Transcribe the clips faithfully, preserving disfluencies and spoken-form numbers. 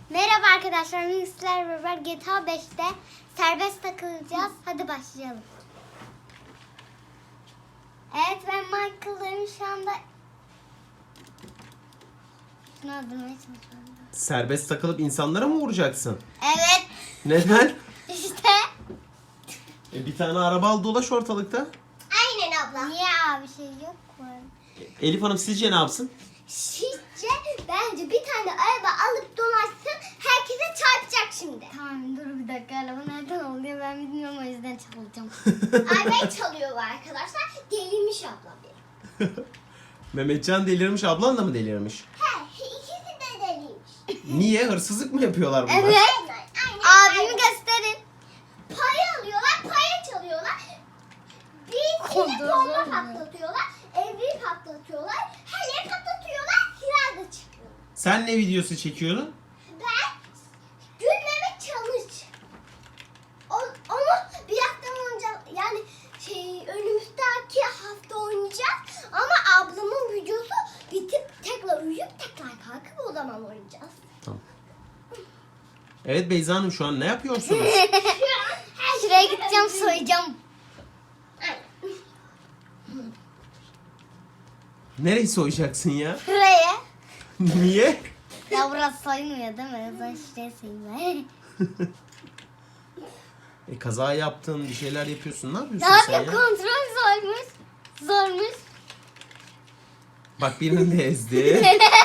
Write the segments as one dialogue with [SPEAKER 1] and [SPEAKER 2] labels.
[SPEAKER 1] Merhaba arkadaşlar, bugün sizlerle beraber G T A beşte serbest takılacağız. Hadi başlayalım. Evet, ben Michael'ım şu anda. Şunu öldürmeye çalışıyorum.
[SPEAKER 2] Serbest takılıp insanlara mı vuracaksın?
[SPEAKER 1] Evet,
[SPEAKER 2] Neden?
[SPEAKER 1] işte.
[SPEAKER 2] E, bir tane araba al dolaş ortalıkta.
[SPEAKER 1] Aynen abla. Niye abi, şey yok mu?
[SPEAKER 2] Elif Hanım sizce ne yapsın?
[SPEAKER 1] Sizce bence bir tane araba alıp dolaşsın, herkese çarpacak şimdi. Tamam, dur bir dakika, araba nereden oluyor ben bilmiyorum, o yüzden çalacağım. Arabayı çalıyor arkadaşlar, delirmiş abla benim.
[SPEAKER 2] Mehmetcan delirmiş, ablan da mı delirmiş?
[SPEAKER 1] He, ikisi de deliymiş.
[SPEAKER 2] Niye? Hırsızlık mı yapıyorlar bunlar?
[SPEAKER 1] Evet. Aynen, abimi gösterin. Para alıyorlar, para çalıyorlar. Bir kere bomba patlatıyorlar, evi patlatıyorlar, her yeri patlatıyorlar, silah da çıkıyor.
[SPEAKER 2] Sen ne videosu çekiyordun?
[SPEAKER 1] Ben gülmeme challenge. O, onu bir hafta önce, yani şey, önümüzdeki hafta oynayacağız. Ama ablamın videosu bitip tekrar uyuyup tekrar kalkıp o zaman oynayacağız.
[SPEAKER 2] Tamam. Evet Beyza Hanım, şu an ne yapıyorsunuz?
[SPEAKER 1] Şuraya gideceğim, soyacağım.
[SPEAKER 2] Nereyi soyacaksın ya?
[SPEAKER 1] Şuraya.
[SPEAKER 2] Niye?
[SPEAKER 1] Ya burası soymuyor değil mi? O zaman şuraya soyayım ben.
[SPEAKER 2] E, kaza yaptın, bir şeyler yapıyorsun. Ne
[SPEAKER 1] Ne
[SPEAKER 2] yapıyorsun sen
[SPEAKER 1] yapayım,
[SPEAKER 2] ya?
[SPEAKER 1] kontrol zormuş. Zormuş.
[SPEAKER 2] Bak birini de ezdi.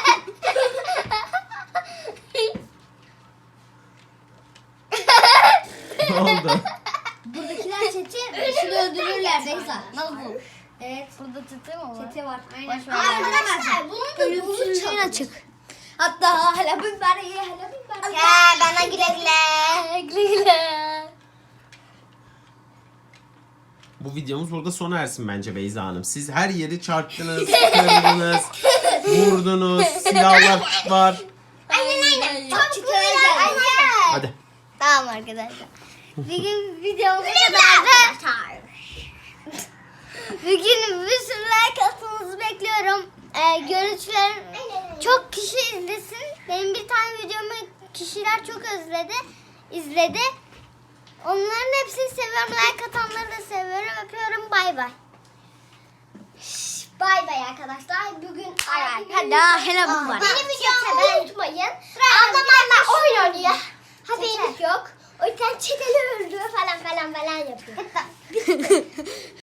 [SPEAKER 2] Ne oldu?
[SPEAKER 3] Buradakiler çete şunu öldürürler Beyza. Nasıl bu?
[SPEAKER 1] Evet, burada çete mi var?
[SPEAKER 3] Çete var.
[SPEAKER 1] Aynen.
[SPEAKER 3] Boş ver.
[SPEAKER 1] Arkadaşlar, bunun da bunu
[SPEAKER 3] Ölümsüzlüğün
[SPEAKER 1] çalın.
[SPEAKER 3] açık. Hatta hala bir bari hala bir bari.
[SPEAKER 1] Ya bana güle güle. Güle güle.
[SPEAKER 2] Bu videomuz burada sona ersin bence Beyza Hanım. Siz her yeri çarptınız, kırdınız, vurdunuz, silahlar var.
[SPEAKER 1] Aynen aynen. Çok
[SPEAKER 3] çete
[SPEAKER 1] güzel.
[SPEAKER 3] geldi.
[SPEAKER 1] Aynen.
[SPEAKER 2] Hadi.
[SPEAKER 1] Tamam arkadaşlar. Bugün videomuz bu kadardı. Bugün bir sürü like atmanızı bekliyorum. Ee, görüntülerim çok kişi izlesin. Benim bir tane videomu kişiler çok özledi, izledi. Onların hepsini seviyorum. Like atanları da seviyorum. Öpüyorum. Bay bay. Bay bay arkadaşlar. Bugün
[SPEAKER 3] Bay bay. Hadi, hele bu var.
[SPEAKER 1] Benim videomu unutmayın. Ablam hala oyun oynuyor. Haberiniz yok. O yüzden çeteli öldürüyor falan falan falan yapıyor.